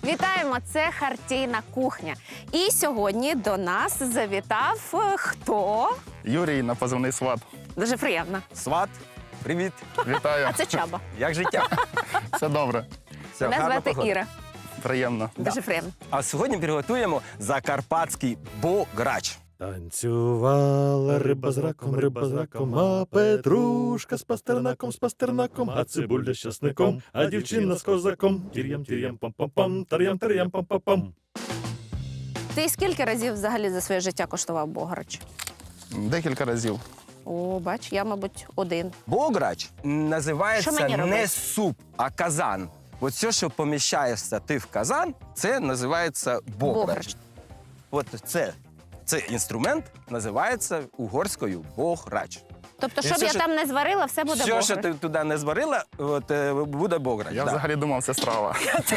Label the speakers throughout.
Speaker 1: Вітаємо! Це Хартійна кухня. І сьогодні до нас завітав хто?
Speaker 2: Юрій на позивний сват.
Speaker 1: Дуже приємно.
Speaker 3: Сват, привіт.
Speaker 2: Вітаю.
Speaker 1: А це Чаба.
Speaker 3: Як життя?
Speaker 2: Все добре.
Speaker 3: Все,
Speaker 1: Мене
Speaker 3: гарна
Speaker 1: звати
Speaker 3: погода.
Speaker 1: Іра.
Speaker 2: Приємно.
Speaker 1: Дуже приємно.
Speaker 3: А сьогодні приготуємо закарпатський бограч.
Speaker 4: Танцювала риба з раком, а петрушка з пастернаком, а цибуля з часником, а дівчина з козаком. Тір'ям, пам-пам-пам, тар'ям, пам-пам-пам.
Speaker 1: Ти скільки разів взагалі за своє життя коштував бограч?
Speaker 2: Декілька разів.
Speaker 1: О, бач, я, мабуть, один.
Speaker 3: Бограч
Speaker 1: Що
Speaker 3: називається
Speaker 1: мені робити?
Speaker 3: не суп, а казан. От все, що поміщаєшся ти в казан, це називається бограч.
Speaker 1: Бограч.
Speaker 3: От цей інструмент називається угорською бограч.
Speaker 1: Тобто,
Speaker 3: І
Speaker 1: щоб
Speaker 3: все,
Speaker 1: я
Speaker 3: що-
Speaker 1: там не зварила, все буде
Speaker 3: Все,
Speaker 1: бограч.
Speaker 3: що ти туди не зварила, буде бограч.
Speaker 2: Я
Speaker 3: да.
Speaker 2: взагалі думав, це страва.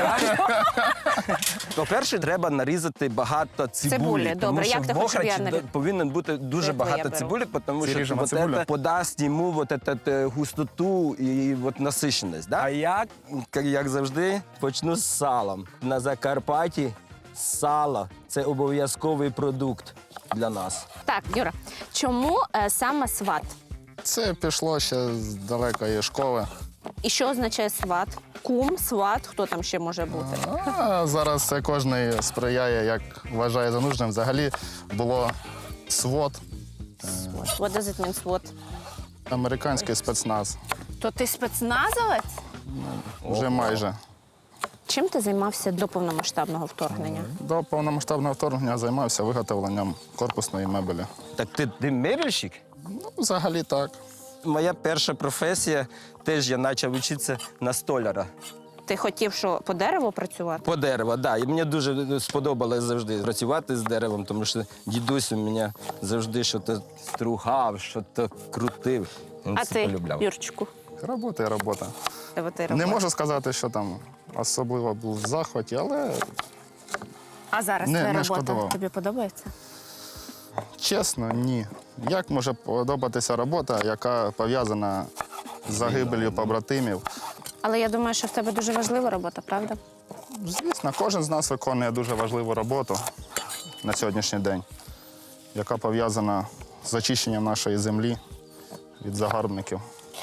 Speaker 3: По-перше, треба нарізати багато цибулі.
Speaker 1: Цибулі,
Speaker 3: тому
Speaker 1: добре.
Speaker 3: що
Speaker 1: Як ти хочеш, щоб я
Speaker 3: бограч повинен бути дуже
Speaker 1: Це твоя
Speaker 3: багато
Speaker 1: беру.
Speaker 3: цибулі, тому що
Speaker 2: Ріжемо
Speaker 3: вот
Speaker 2: цибулю.
Speaker 3: это подасть йому вот этот густоту і вот насиченість. Да? А я, як завжди, почну з салом. На Закарпатті сало – це обов'язковий продукт для нас.
Speaker 1: Так, Юра, чому саме сват?
Speaker 2: Це пішло ще з далекої школи.
Speaker 1: І що означає сват? Кум, сват, хто там ще може бути?
Speaker 2: А зараз це кожен сприяє, як вважає за нужним. Взагалі було свот,
Speaker 1: What does it mean, SWAT?
Speaker 2: американський спецназ.
Speaker 1: То ти спецназовець?
Speaker 2: Вже майже.
Speaker 1: Чим ти займався до повномасштабного вторгнення?
Speaker 2: До повномасштабного вторгнення займався виготовленням корпусної мебелі.
Speaker 3: Так ти мебельщик?
Speaker 2: Ну, взагалі так.
Speaker 3: Моя перша професія, теж я почав вчитися на столяра.
Speaker 1: Ти хотів, що по дереву працювати?
Speaker 3: По дереву, так. Да. І мені дуже сподобалось завжди працювати з деревом, тому що дідусь у мене завжди щось стругав, щось крутив. Він
Speaker 1: А
Speaker 3: це
Speaker 1: ти,
Speaker 3: полюбляв.
Speaker 1: Юрчику?
Speaker 2: Робота і робота.
Speaker 1: Тебе ти
Speaker 2: Не
Speaker 1: робиш?
Speaker 2: можу сказати, що там особливо був в захваті, але
Speaker 1: А зараз
Speaker 2: Не,
Speaker 1: твоя
Speaker 2: не
Speaker 1: робота
Speaker 2: шкодував.
Speaker 1: тобі подобається?
Speaker 2: чесно, ні. Як може подобатися робота, яка пов'язана з загибелью побратимів?
Speaker 1: Але я думаю, що в тебе дуже важлива робота, правда?
Speaker 2: Звісно, кожен з нас виконує дуже важливу роботу на сьогоднішній день, яка пов'язана з очищенням нашої землі від загарбників.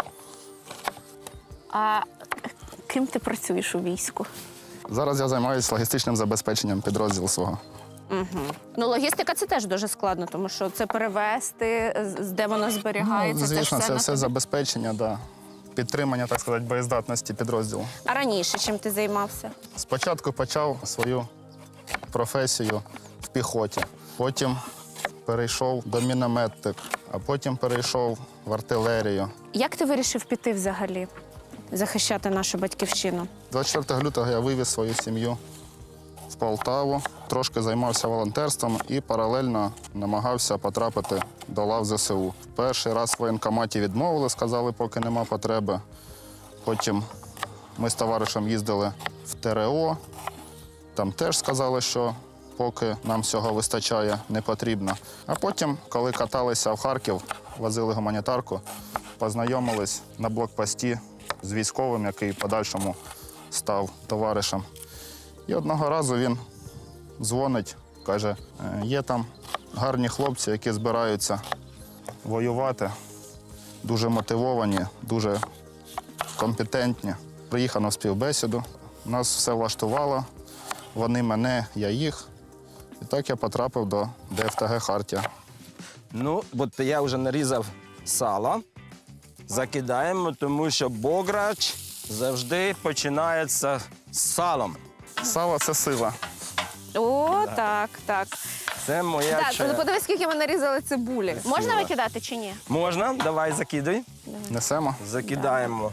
Speaker 1: А ким ти працюєш у війську?
Speaker 2: Зараз я займаюся логістичним забезпеченням підрозділу свого.
Speaker 1: Ну, логістика – це теж дуже складно, тому що це перевезти, де воно зберігається.
Speaker 2: Звісно,
Speaker 1: ж
Speaker 2: це
Speaker 1: на
Speaker 2: все
Speaker 1: тобі.
Speaker 2: забезпечення, да. Підтримання, так сказати, боєздатності підрозділу.
Speaker 1: А раніше чим ти займався?
Speaker 2: Спочатку почав свою професію в піхоті, потім перейшов до мінометник, а потім перейшов в артилерію.
Speaker 1: Як ти вирішив піти взагалі захищати нашу батьківщину?
Speaker 2: 24 лютого я вивіз свою сім'ю в Полтаву, трошки займався волонтерством і паралельно намагався потрапити до лав ЗСУ. Перший раз в воєнкоматі відмовили, сказали, поки нема потреби. Потім ми з товаришем їздили в ТРО, там теж сказали, що поки нам всього вистачає, не потрібно. А потім, коли каталися в Харків, возили гуманітарку, познайомились на блокпості з військовим, який в подальшому став товаришем. І одного разу він дзвонить, каже, є там гарні хлопці, які збираються воювати, дуже мотивовані, дуже компетентні. Приїхав на співбесіду, нас все влаштувало, вони мене, я їх. І так я потрапив до ДФТГ «Хартія».
Speaker 3: Ну, от я вже нарізав сало. Закидаємо, тому що бограч завжди починається з салом.
Speaker 2: Сало – це сила.
Speaker 1: О, так, так.
Speaker 3: Це моя
Speaker 1: Так,
Speaker 3: черга.
Speaker 1: подивись, скільки ми нарізали цибулі. Можна
Speaker 3: Красиво.
Speaker 1: викидати чи ні?
Speaker 3: Можна? Давай закидуй.
Speaker 2: Несемо.
Speaker 3: Закидаємо.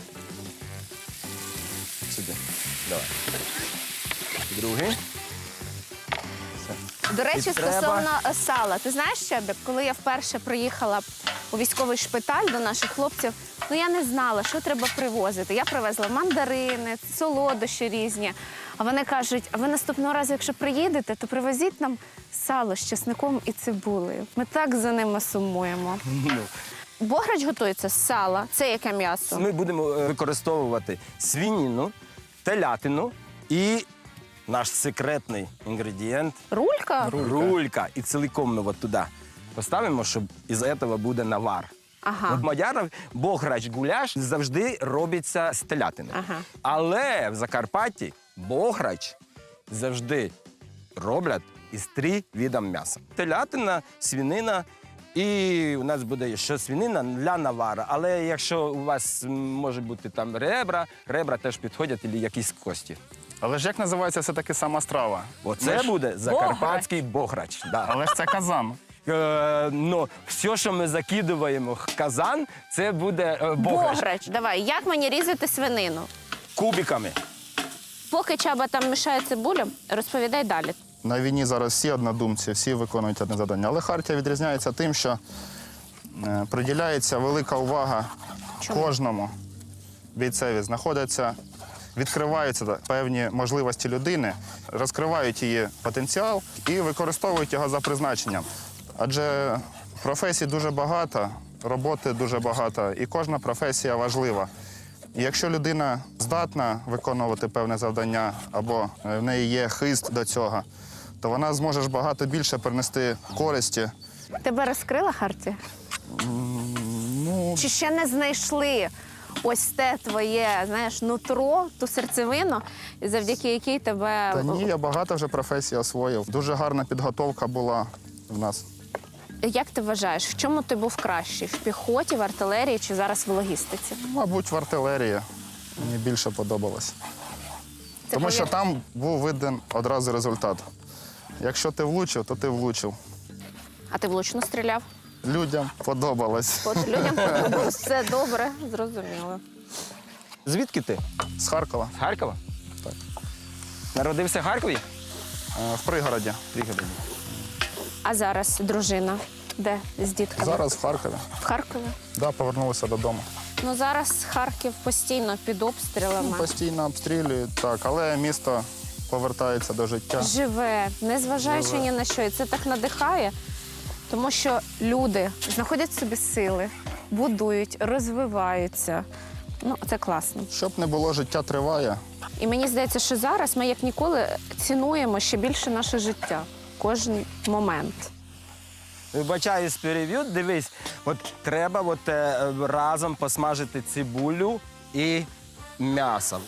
Speaker 3: Сюди. Давай. Другий.
Speaker 1: До речі,
Speaker 3: І треба-
Speaker 1: стосовно сала. Ти знаєш, Щебік, коли я вперше приїхала у військовий шпиталь до наших хлопців, ну я не знала, що треба привозити. Я привезла мандарини, солодощі різні. А вони кажуть, а ви наступного разу, якщо приїдете, то привезіть нам сало з чесником і цибулею. Ми так за ними сумуємо. Бограч готується з сала. Це яке м'ясо?
Speaker 3: Ми будемо використовувати свинину, телятину і наш секретний інгредієнт.
Speaker 1: Рулька?
Speaker 3: Рулька. І цілком ми от туди поставимо, щоб із цього буде навар.
Speaker 1: Ага.
Speaker 3: От мадярів бограч гуляш завжди робиться з телятини.
Speaker 1: Ага.
Speaker 3: Але в Закарпатті бограч завжди роблять із 3 видів м'яса. Телятина, свинина і у нас буде ще свинина для навара. Але якщо у вас може бути там ребра теж підходять, або якісь кості.
Speaker 2: Але ж як називається все-таки сама страва?
Speaker 3: Оце буде закарпатський бограч. Да.
Speaker 2: Але ж це казан.
Speaker 3: Ну, все, що ми закидуємо в казан, це буде бограч.
Speaker 1: Бограч. Давай, як мені різати свинину?
Speaker 3: Кубиками.
Speaker 1: Поки Чаба там мішає цибулю, розповідай далі.
Speaker 2: На війні зараз всі однодумці, всі виконують одне завдання. Але Хартія відрізняється тим, що приділяється велика увага кожному бійцеві. Знаходяться, відкриваються певні можливості людини, розкривають її потенціал і використовують його за призначенням. Адже професій дуже багато, роботи дуже багато, і кожна професія важлива. І якщо людина здатна виконувати певне завдання або в неї є хист до цього, то вона зможе ж багато більше принести користі.
Speaker 1: Тебе розкрила Хартія?
Speaker 2: Ну,
Speaker 1: Чи ще не знайшли ось те твоє, знаєш, нутро, ту серцевину, завдяки якій тебе...
Speaker 2: та ні, я багато вже професій освоїв. Дуже гарна підготовка була в нас.
Speaker 1: Як ти вважаєш, в чому ти був кращий? В піхоті, в артилерії чи зараз в логістиці?
Speaker 2: Мабуть, в артилерії мені більше подобалось. Тому що там був виден одразу результат. Якщо ти влучив, то ти влучив.
Speaker 1: А ти влучно стріляв?
Speaker 2: Людям подобалось.
Speaker 1: От людям подобалось. Все добре, зрозуміло.
Speaker 3: Звідки ти?
Speaker 2: З Харкова,
Speaker 3: З Харкова?
Speaker 2: Так.
Speaker 3: Народився в Харкові?
Speaker 2: в пригороді.
Speaker 1: А зараз дружина де з дітками?
Speaker 2: Зараз в Харкові.
Speaker 1: В Харкові?
Speaker 2: Да, повернулися додому.
Speaker 1: Ну зараз Харків постійно під обстрілами.
Speaker 2: Постійно обстрілюють, так, але місто повертається до життя.
Speaker 1: Живе, незважаючи
Speaker 2: Живе.
Speaker 1: ні на що. І це так надихає, тому що люди знаходять в собі сили, будують, розвиваються. Ну, це класно.
Speaker 2: Щоб не було, життя триває.
Speaker 1: І мені здається, що зараз ми як ніколи цінуємо ще більше наше життя. Кожен момент.
Speaker 3: Вибачаюсь, перевів. Дивись, от треба разом посмажити цибулю і м'ясо.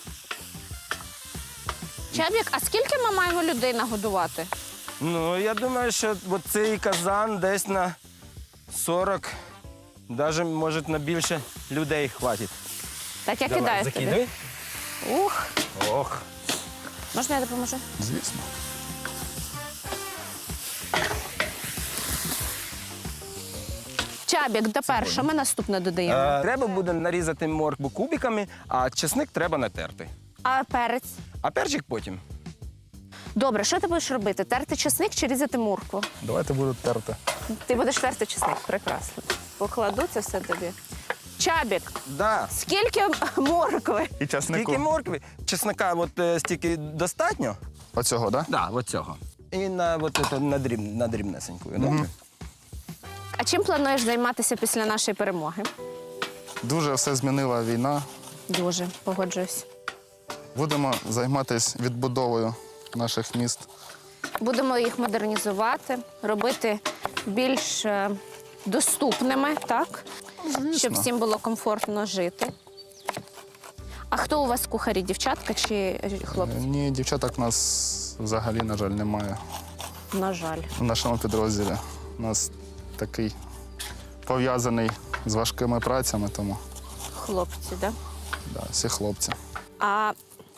Speaker 1: Чабік, а скільки ми маємо людей нагодувати?
Speaker 3: Ну, я думаю, що от цей казан десь на 40, навіть, може, на більше людей хватить.
Speaker 1: Так я кидаю тобі. Ух,
Speaker 3: Ох.
Speaker 1: можна я допоможу?
Speaker 2: Звісно.
Speaker 1: Чабік, тепер що ми наступне додаємо?
Speaker 3: Треба буде нарізати моркву кубиками, а чесник треба натерти.
Speaker 1: А перець?
Speaker 3: А перчик потім.
Speaker 1: Добре, що ти будеш робити? Терти чесник чи різати моркву?
Speaker 2: Давайте буду терти.
Speaker 1: Ти будеш терти чесник, прекрасно. Покладу це все тобі. Чабік,
Speaker 3: Да.
Speaker 1: скільки моркви?
Speaker 2: І часнику.
Speaker 3: Скільки моркви? Чесника стільки достатньо?
Speaker 2: Оцього, так? Да?
Speaker 3: Да, от цього. І на дрібнесеньку. Добре?
Speaker 1: А чим плануєш займатися після нашої перемоги?
Speaker 2: Дуже все змінила війна.
Speaker 1: Дуже, погоджуюсь.
Speaker 2: Будемо займатися відбудовою наших міст.
Speaker 1: Будемо їх модернізувати, робити більш доступними, так? Щоб всім було комфортно жити. А хто у вас кухарі, дівчатка чи хлопці?
Speaker 2: Ні, дівчаток у нас взагалі, на жаль, немає
Speaker 1: На жаль.
Speaker 2: в нашому підрозділі. У нас такий пов'язаний з важкими працями, тому
Speaker 1: Хлопці, так?
Speaker 2: да, всі хлопці.
Speaker 1: А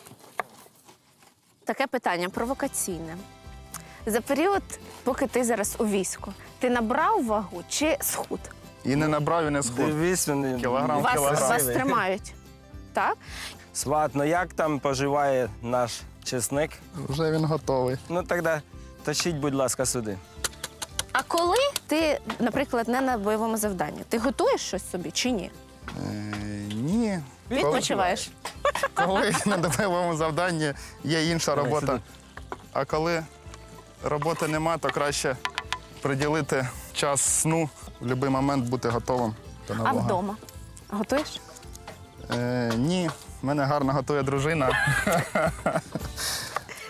Speaker 1: таке питання провокаційне. За період, поки ти зараз у війську, ти набрав вагу чи схуд?
Speaker 2: І не набрав, і не схуд.
Speaker 3: Дивись, вони.
Speaker 2: Кілограм.
Speaker 1: Вас тримають. Так?
Speaker 3: Сват, ну як там поживає наш чесник?
Speaker 2: Вже він готовий.
Speaker 3: Ну тоді тащіть, будь ласка, сюди.
Speaker 1: А коли ти, наприклад, не на бойовому завданні, ти готуєш щось собі чи ні?
Speaker 2: Ні.
Speaker 1: Відпочиваєш?
Speaker 2: Коли на бойовому завданні є інша
Speaker 3: Давай
Speaker 2: робота.
Speaker 3: сюди.
Speaker 2: А коли роботи нема, то краще приділити час сну, в будь-який момент бути готовим до
Speaker 1: А
Speaker 2: нового.
Speaker 1: вдома? Готуєш?
Speaker 2: Ні, мене гарно готує дружина.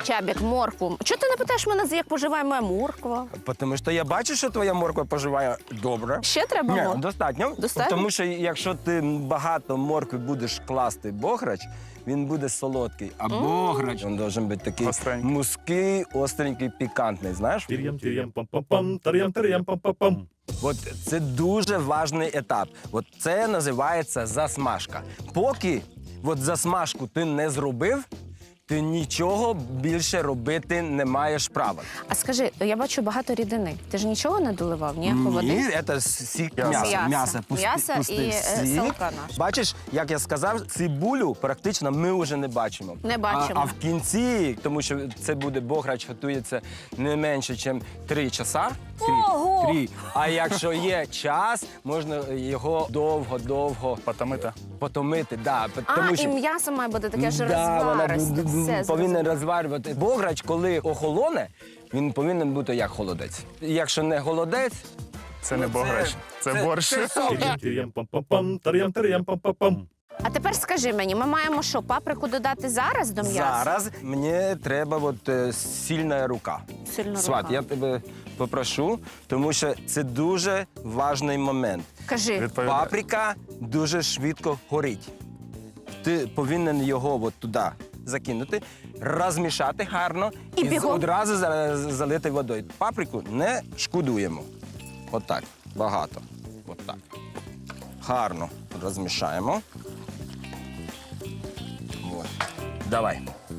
Speaker 1: Чабік, моркву. Чого ти не питаєш мене, як поживає моя морква?
Speaker 3: Тому що я бачу, що твоя морква поживає добре.
Speaker 1: Ще треба
Speaker 3: Ні,
Speaker 1: моркву?
Speaker 3: достатньо.
Speaker 1: Достатньо?
Speaker 3: Тому що якщо ти багато моркви будеш класти бограч, він буде солодкий. А бограч, він має бути такий
Speaker 2: Остренький.
Speaker 3: музький, остренький, пікантний, знаєш?
Speaker 4: Тир'ям, тир'ям, пам-пам-пам, тар'ям, тар'ям, пам-пам-пам.
Speaker 3: От це дуже важливий етап. От це називається засмажка. Поки от засмажку ти не зробив, ти нічого більше робити не маєш права.
Speaker 1: А скажи, я бачу багато рідини. Ти ж нічого не доливав, ні? Води?
Speaker 3: Ні, це сік
Speaker 2: М'ясо.
Speaker 3: м'яса.
Speaker 1: М'ясо. М'ясо
Speaker 3: пустий
Speaker 1: і,
Speaker 3: сік.
Speaker 1: салка наша.
Speaker 3: Бачиш, як я сказав, цибулю практично ми вже не бачимо.
Speaker 1: Не бачимо.
Speaker 3: А в кінці, тому що це буде бограч, готується не менше, ніж 3 часа.
Speaker 1: Ого!
Speaker 3: 3. А якщо є час, можна його довго-довго
Speaker 2: Потомити.
Speaker 3: потомити. Да,
Speaker 1: А,
Speaker 3: тому
Speaker 1: і
Speaker 3: що...
Speaker 1: м'ясо має бути таке ж
Speaker 3: Да, вона
Speaker 1: розваристе. Все,
Speaker 3: повинна
Speaker 1: зрозуміло.
Speaker 3: розварювати. Бограч, коли охолоне, він повинен бути як холодець. Якщо не холодець,
Speaker 2: Це не
Speaker 3: ну,
Speaker 2: бограч, це борщ.
Speaker 3: Це суп.
Speaker 4: Тир'ям, тир'ям, пам-пам-пам, тар'ям, тар'ям, пам-пам-пам.
Speaker 1: А тепер скажи мені, ми маємо що, паприку додати зараз до м'яса?
Speaker 3: Зараз мені треба сильна рука.
Speaker 1: Сильна
Speaker 3: Сват,
Speaker 1: рука.
Speaker 3: я тебе попрошу, тому що це дуже важливий момент.
Speaker 1: Кажи.
Speaker 2: Відповідає.
Speaker 3: Паприка дуже швидко горить. Ти повинен його от туди закинути, розмішати гарно
Speaker 1: І бігом.
Speaker 3: одразу залити водою. Паприку не шкодуємо. Отак, багато. Отак. Гарно розмішаємо. От. Давай.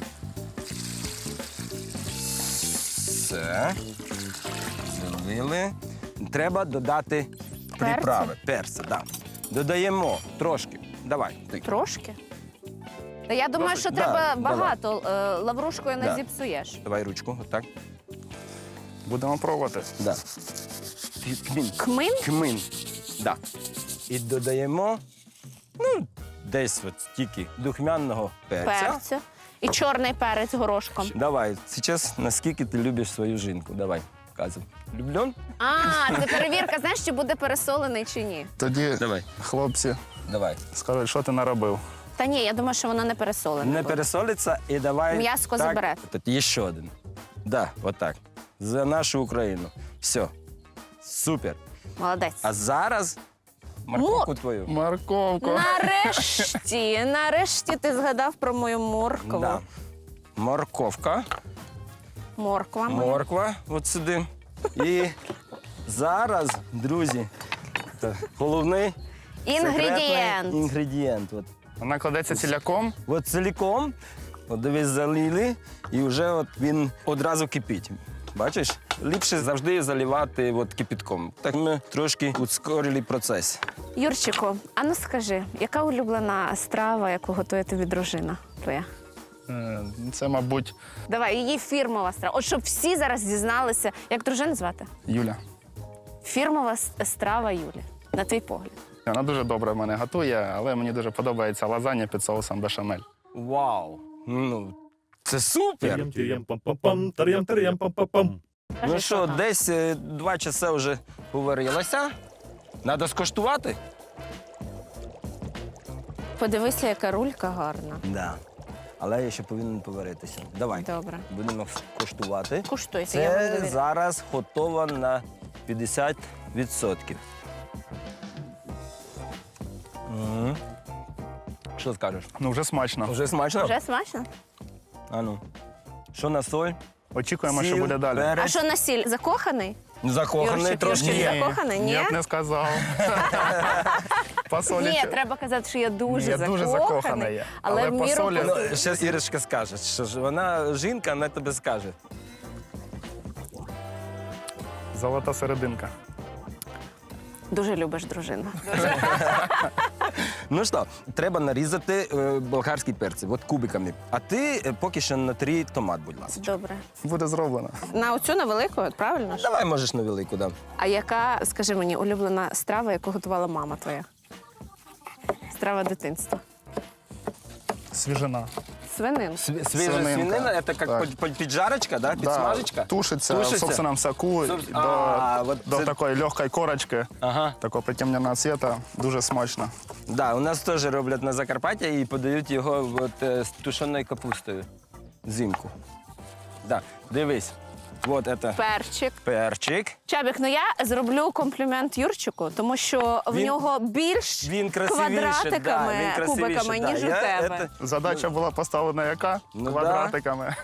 Speaker 3: Все. Залили. Треба додати приправи. Перці, так. Да. Додаємо трошки. Давай. Ти.
Speaker 1: Трошки? Та я думаю, що
Speaker 3: Да,
Speaker 1: треба
Speaker 3: давай.
Speaker 1: багато. Лаврушкою не
Speaker 3: Да.
Speaker 1: зіпсуєш.
Speaker 3: Давай ручку, отак.
Speaker 2: Будемо пробувати.
Speaker 3: Да. Кмін.
Speaker 1: Кмин?
Speaker 3: Кмин. Да. І додаємо, ну, десь от стільки духмяного перця.
Speaker 1: Перцю. І чорний перець горошком.
Speaker 3: Давай, зараз наскільки ти любиш свою жінку. Давай, казуй. Люблен?
Speaker 1: А, це перевірка, знаєш, чи буде пересолений чи ні.
Speaker 2: Тоді
Speaker 3: Давай.
Speaker 2: хлопці
Speaker 3: Давай.
Speaker 2: скажуть, що ти наробив.
Speaker 1: Та ні, я думаю, що воно не пересолене.
Speaker 3: Не
Speaker 1: буде.
Speaker 3: пересолиться і давай.
Speaker 1: М'яско
Speaker 3: так,
Speaker 1: заберете.
Speaker 3: Тут ще один. Да, отак. За нашу Україну. Все. Супер.
Speaker 1: Молодець.
Speaker 3: А зараз морковку твою.
Speaker 2: Морковку.
Speaker 1: Нарешті ти згадав про мою моркву.
Speaker 3: Да. Морковка.
Speaker 1: Морква. моя.
Speaker 3: Морква от сюди. І зараз, друзі, це головний
Speaker 1: Інгредієнт.
Speaker 3: секретний інгредієнт.
Speaker 2: Вона кладеться ціляком.
Speaker 3: От ціліком, от дивись, залили, і вже от він одразу кипить. Бачиш? Ліпше завжди заливати от кипятком. Так ми трошки ускорили процес.
Speaker 1: Юрчику, а ну скажи, яка улюблена страва, яку готує тобі дружина твоя?
Speaker 2: Це, мабуть,
Speaker 1: Давай, її фірмова страва. От щоб всі зараз дізналися, як дружину звати?
Speaker 2: Юля.
Speaker 1: Фірмова страва Юлі, на твій погляд.
Speaker 2: Вона дуже добре в мене готує, але мені дуже подобається лазанья під соусом бешамель.
Speaker 3: Вау! Ну, це супер!
Speaker 4: Тир'ям, тир'ям, пам-пам-пам, тар'ям, тар'ям, пам-пам-пам.
Speaker 3: Ну що,
Speaker 1: там?
Speaker 3: десь 2 часа вже поварилося. Треба скуштувати?
Speaker 1: Подивися, яка рулька гарна.
Speaker 3: Да. Але я ще повинен поваритися. Давай.
Speaker 1: Добре.
Speaker 3: Будемо куштувати.
Speaker 1: Куштуйте, я вам
Speaker 3: Це
Speaker 1: довіряю.
Speaker 3: зараз готово на 50%. Мгм. Що скажеш?
Speaker 2: Ну, вже смачно.
Speaker 3: Вже смачно?
Speaker 1: Вже смачно?
Speaker 3: А ну. Що на соль?
Speaker 2: Очікуємо, що
Speaker 3: Сіль,
Speaker 2: буде далі.
Speaker 3: перець.
Speaker 1: А що на сіль? Закоханий?
Speaker 3: Закоханий
Speaker 1: Юрчик,
Speaker 3: трошки.
Speaker 1: Юрчик,
Speaker 3: Ні.
Speaker 1: закоханий? Ні?
Speaker 2: Я б не сказав. По солі.
Speaker 1: Ні, треба казати, що я дуже
Speaker 2: Я
Speaker 1: закоханий.
Speaker 2: дуже закоханий є.
Speaker 1: Але
Speaker 2: Але
Speaker 1: в
Speaker 2: по
Speaker 1: міру
Speaker 2: солі-
Speaker 1: посолю.
Speaker 3: Ну, зараз Ірочка скаже, що ж вона жінка, вона тобі скаже.
Speaker 2: Золота серединка.
Speaker 1: Дуже любиш дружину.
Speaker 3: Ну що, треба нарізати болгарські перці, от кубиками. А ти поки що натрій томат, будь ласка.
Speaker 1: Добре.
Speaker 2: Буде зроблено.
Speaker 1: На оцю невелику, от правильно ж?
Speaker 3: Давай можеш на велику, да.
Speaker 1: А яка, скажи мені, улюблена страва, яку готувала мама твоя? Страва дитинства.
Speaker 2: Свіжина.
Speaker 1: Свинин.
Speaker 3: Свіжа
Speaker 2: Свининка.
Speaker 3: свинина, це як
Speaker 2: Так.
Speaker 3: піджарочка, да? Підсмажечка?
Speaker 2: Тушиться в
Speaker 3: Тушиться?
Speaker 2: собственном соку
Speaker 3: от
Speaker 2: до
Speaker 3: це-
Speaker 2: такої легкої корочки,
Speaker 3: Ага.
Speaker 2: такого притемненого цвіта. Дуже смачно.
Speaker 3: Да, у нас теж роблять на Закарпатті і подають його от, з тушеною капустою взимку. Да. Дивись. Вот это
Speaker 1: Перчик.
Speaker 3: перчик.
Speaker 1: Чабік, ну я зроблю комплімент Юрчику, тому що в
Speaker 3: Він-
Speaker 1: нього більш
Speaker 3: Він красивіше,
Speaker 1: квадратиками,
Speaker 3: да, він красивіше,
Speaker 1: кубиками,
Speaker 3: да.
Speaker 1: ніж у
Speaker 3: Я
Speaker 1: тебе.
Speaker 2: Задача була поставлена яка?
Speaker 3: Ну,
Speaker 2: Квадратиками.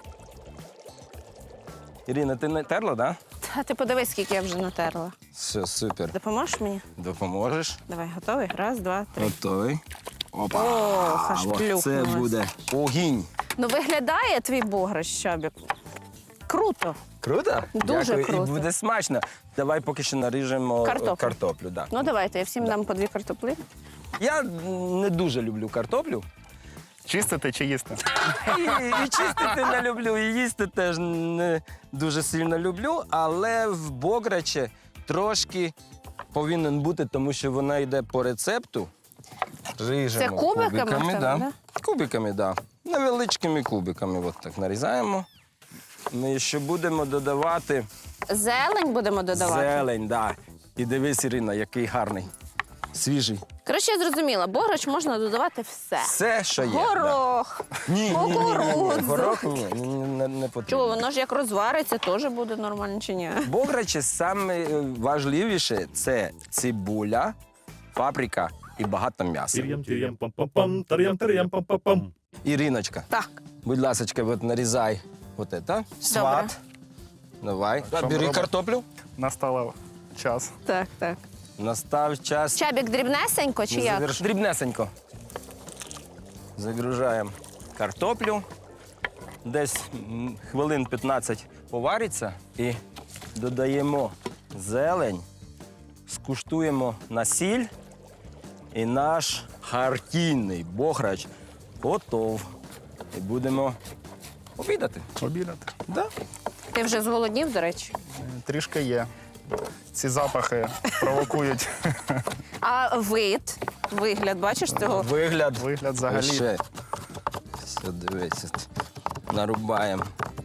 Speaker 3: Ірина, ти не терла, да?
Speaker 1: Та ти подивись, скільки я вже натерла.
Speaker 3: Все, супер.
Speaker 1: Допоможеш мені?
Speaker 3: Допоможеш.
Speaker 1: Давай, готовий? Раз, два, три.
Speaker 3: Готовий. Опа.
Speaker 1: Ох, аж
Speaker 3: От це
Speaker 1: плюхнулось.
Speaker 3: буде огінь.
Speaker 1: Ну виглядає твій бограш, Чабік. Круто.
Speaker 3: Круто?
Speaker 1: Дуже
Speaker 3: Дякую.
Speaker 1: круто.
Speaker 3: І буде смачно. Давай поки що наріжемо картоплю да.
Speaker 1: Ну давайте, я всім дам по 2 картоплі.
Speaker 3: Я не дуже люблю картоплю.
Speaker 2: Чистити чи їсти?
Speaker 3: І чистити не люблю, і їсти теж не дуже сильно люблю, але в бограчі трошки повинен бути, тому що вона йде по рецепту. Ріжемо
Speaker 1: Це кубиками в тебе,
Speaker 3: да?
Speaker 1: да?
Speaker 3: Кубиками, так. Да. Невеличкими кубиками. От так нарізаємо. Ми ще будемо додавати
Speaker 1: Зелень будемо додавати.
Speaker 3: зелень, да. І дивись, Ірина, який гарний. Свіжий.
Speaker 1: Коротше, я зрозуміла, бограч можна додавати все.
Speaker 3: Все, що є. да.
Speaker 1: Горох,
Speaker 3: Ні,
Speaker 1: кукурудзу.
Speaker 3: горох ні, не потрібно.
Speaker 1: Чого, воно ж як розвариться, теж буде нормально чи ні?
Speaker 3: Бограчі саме важливіше це цибуля, паприка і багато м'яса.
Speaker 4: Тир'ям, тир'ям, пам-пам-пам, тар'ям, тар'ям, пам-пам-пам.
Speaker 3: Іриночка,
Speaker 1: Так.
Speaker 3: будь ласка, от нарізай от це. Сват. Давай.
Speaker 2: Що ми
Speaker 3: Бери
Speaker 2: робимо?
Speaker 3: картоплю.
Speaker 2: Настав час.
Speaker 1: Так, так.
Speaker 3: Настав час.
Speaker 1: Чабік дрібнесенько чи як?
Speaker 3: Дрібнесенько. Загружаємо картоплю. Десь хвилин 15 повариться і додаємо зелень, скуштуємо на сіль, і наш хартійний бограч готов. І будемо обідати.
Speaker 2: Обідати.
Speaker 3: Да?
Speaker 1: Ти вже зголоднів, до речі.
Speaker 2: Трішки є. Ці запахи провокують
Speaker 1: А вигляд, бачиш цього?
Speaker 3: Вигляд.
Speaker 2: вигляд взагалі.
Speaker 3: Ще. Все, дивись. Нарубаємо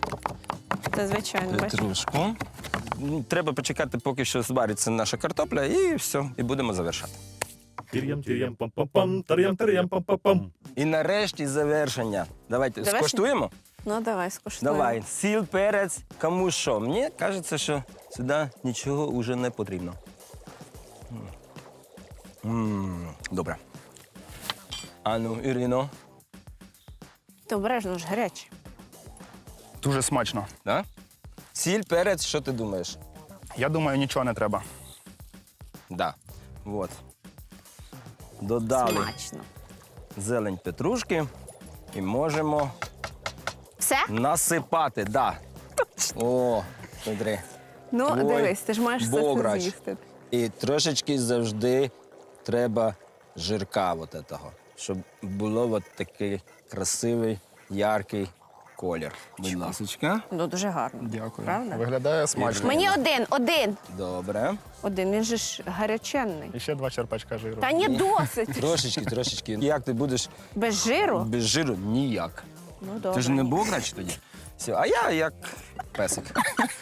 Speaker 1: Це звичайно, бачиш.
Speaker 3: петрушку. Треба почекати, поки що звариться наша картопля, і все, і будемо завершати.
Speaker 4: Тир'ям, тир'ям, пам-пам-пам, тар'ям, тар'ям, пам-пам-пам.
Speaker 3: І нарешті завершення. Давайте
Speaker 1: Завершення?
Speaker 3: скуштуємо.
Speaker 1: Ну, давай, скуштуємо.
Speaker 3: Давай, сіль, перець, кому що. Мені кажеться, що сюди нічого вже не потрібно. Добре. Ану, Ірино,
Speaker 1: Ти обережно ж гаряче.
Speaker 2: Дуже смачно.
Speaker 3: да? Сіль, перець, що ти думаєш?
Speaker 2: Я думаю, нічого не треба.
Speaker 3: Да. Вот. Додали
Speaker 1: Смачно.
Speaker 3: зелень петрушки і можемо
Speaker 1: Все?
Speaker 3: насипати. Да. О, смотри.
Speaker 1: Ну,
Speaker 3: Ой,
Speaker 1: дивись, ти ж маєш все це
Speaker 3: бограч.
Speaker 1: з'їсти.
Speaker 3: І трошечки завжди треба жирка от этого, щоб було от такий красивий, яркий колір. Будь ласочка.
Speaker 1: Ну, дуже гарно.
Speaker 2: Дякую.
Speaker 1: Правда?
Speaker 2: Виглядає смачно.
Speaker 1: Мені один.
Speaker 3: Добре.
Speaker 1: Один, він же ж гаряченний.
Speaker 2: І ще 2 черпачка жиру.
Speaker 1: Та ні, досить.
Speaker 3: Трошечки. Як ти будеш
Speaker 1: Без жиру?
Speaker 3: без жиру? Ніяк.
Speaker 1: Ну, добре.
Speaker 3: Ти ж не бограч тоді. Все, а я як песик.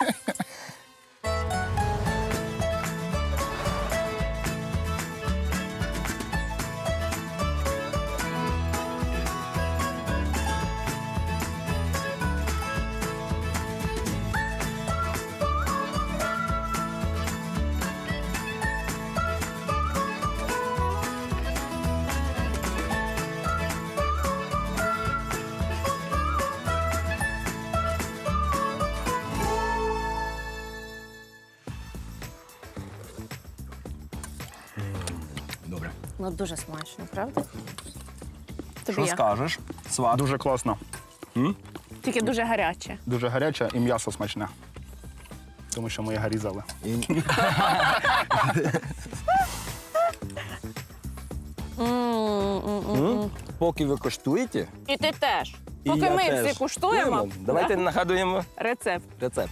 Speaker 3: Добре.
Speaker 1: Ну, дуже смачно, правда? Тобі
Speaker 3: Що
Speaker 1: як?
Speaker 3: скажеш? Сват.
Speaker 2: Дуже класно.
Speaker 1: Тільки дуже гаряче.
Speaker 2: Дуже гаряче і м'ясо смачне. Тому що ми його різали.
Speaker 3: Поки ви коштуєте,
Speaker 1: І ти теж.
Speaker 3: і
Speaker 1: Поки
Speaker 3: я
Speaker 1: ми
Speaker 3: теж
Speaker 1: всі куштуємо,
Speaker 3: давайте
Speaker 1: да,
Speaker 3: нагадуємо
Speaker 1: рецепт.
Speaker 3: рецепт.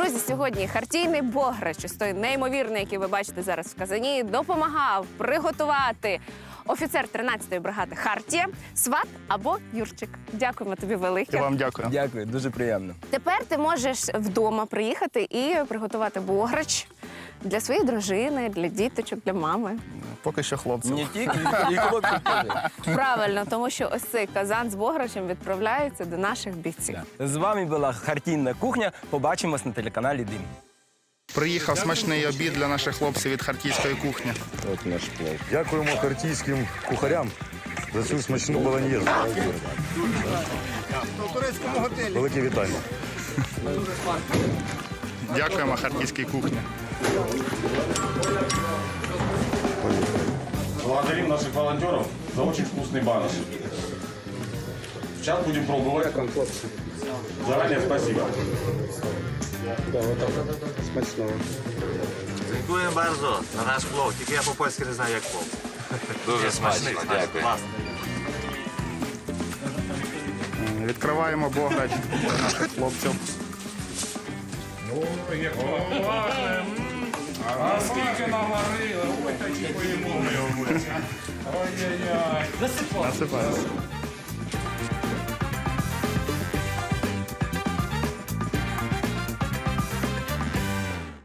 Speaker 1: Друзі, сьогодні хартійний бограч, ось той неймовірний, який ви бачите зараз в казані, допомагав приготувати офіцер 13-ї бригади Хартія, сват або Юрчик. Дякуємо тобі
Speaker 2: І
Speaker 1: велике.
Speaker 2: вам дякую.
Speaker 3: Дякую, дуже приємно.
Speaker 1: Тепер ти можеш вдома приїхати і приготувати бограч для своєї дружини, для діточок, для мами.
Speaker 2: Поки що хлопців.
Speaker 3: Не тільки, і хлопці теж.
Speaker 1: Правильно, тому що ось цей казан з бограчем відправляється до наших бійців.
Speaker 3: З вами була Хартійна кухня. Побачимось на телеканалі Дим.
Speaker 2: Приїхав смачний обід для наших хлопців від харківської кухні.
Speaker 3: От наш плов.
Speaker 5: Дякуємо хартійським кухарям за цю смачну болоньєзу. Велике вітання.
Speaker 2: Дякуємо харківській кухні.
Speaker 6: Благодарим наших волонтеров за очень вкусный баныш. Сейчас будем пробовать. Заранее спасибо.
Speaker 7: Дякуємо bardzo за наш плов, тільки я по-польськи не знаю, як плов. Дуже смачний, дякую.
Speaker 2: Відкриваємо бограч для наших хлопців.
Speaker 6: А скільки наварили, ой, такі поїмо ми. Ой-ой-ой.
Speaker 2: Насипаємо.